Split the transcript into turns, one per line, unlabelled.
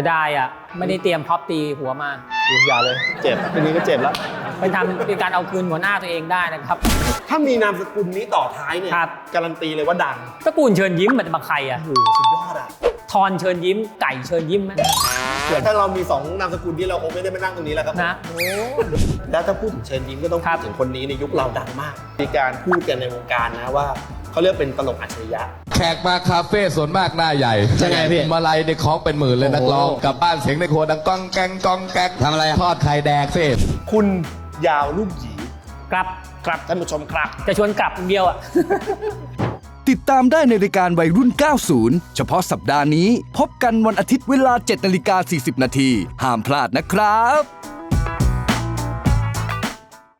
จะได้อ่ะไม่ได้เตรียมพ็อปตีหัวมา
อย่าเลยเจ็บทีนี้ก็เจ็บแล้ว
ไปทำเป็นการเอาคืนหัวหน้าตัวเองได้นะครับ
ถ้ามีนามสกุลนี้ต่อท้ายเนี่ย
ครับ
การันตีเลยว่าดัง
ตระกูลเชิญยิ้มมันจะมาใครอ่ะ
โอ้โหสุดยอดอ่ะ
ทอนเชิญยิ้มไก่เชิญยิ้มไหม
ถ้าเรามี2นามสกุลที่เราคงไม่ได้มานั่งตรงนี้แล้วครับ
นะโอ้
แล้วถ้าพูดถึงเชิญยิ้มก็ต้อง
ครั
พู
บ
ดถึงคนนี้ในยุคเราดังมาก มีการพูดกันในวงการนะว่าเขาเรียกเป็นตลกอัจฉริยะ
แขกมาคาเฟ่ส่วนมากหน้าใหญ่
ใช่ไงพี่
มาลัยในคล้องเป็นหมื่นเลยนักร้อง
โอ้โห
กลับบ้านเสียงในครัวดังก้องแกงก้องแกง
ทำอะไรอะ
ทอดไข่แดกเฟ่
คุณยาวลูกหยี
กลับ
ครับท่านผู้ชมครับ
จะชวนกลับอย่างเดียวอ่ะ
ติดตามได้ในรายการวัยรุ่น 90 เฉพาะสัปดาห์นี้ พบกันวันอาทิตย์เวลา 7:40 น. ห้ามพลาดนะครับ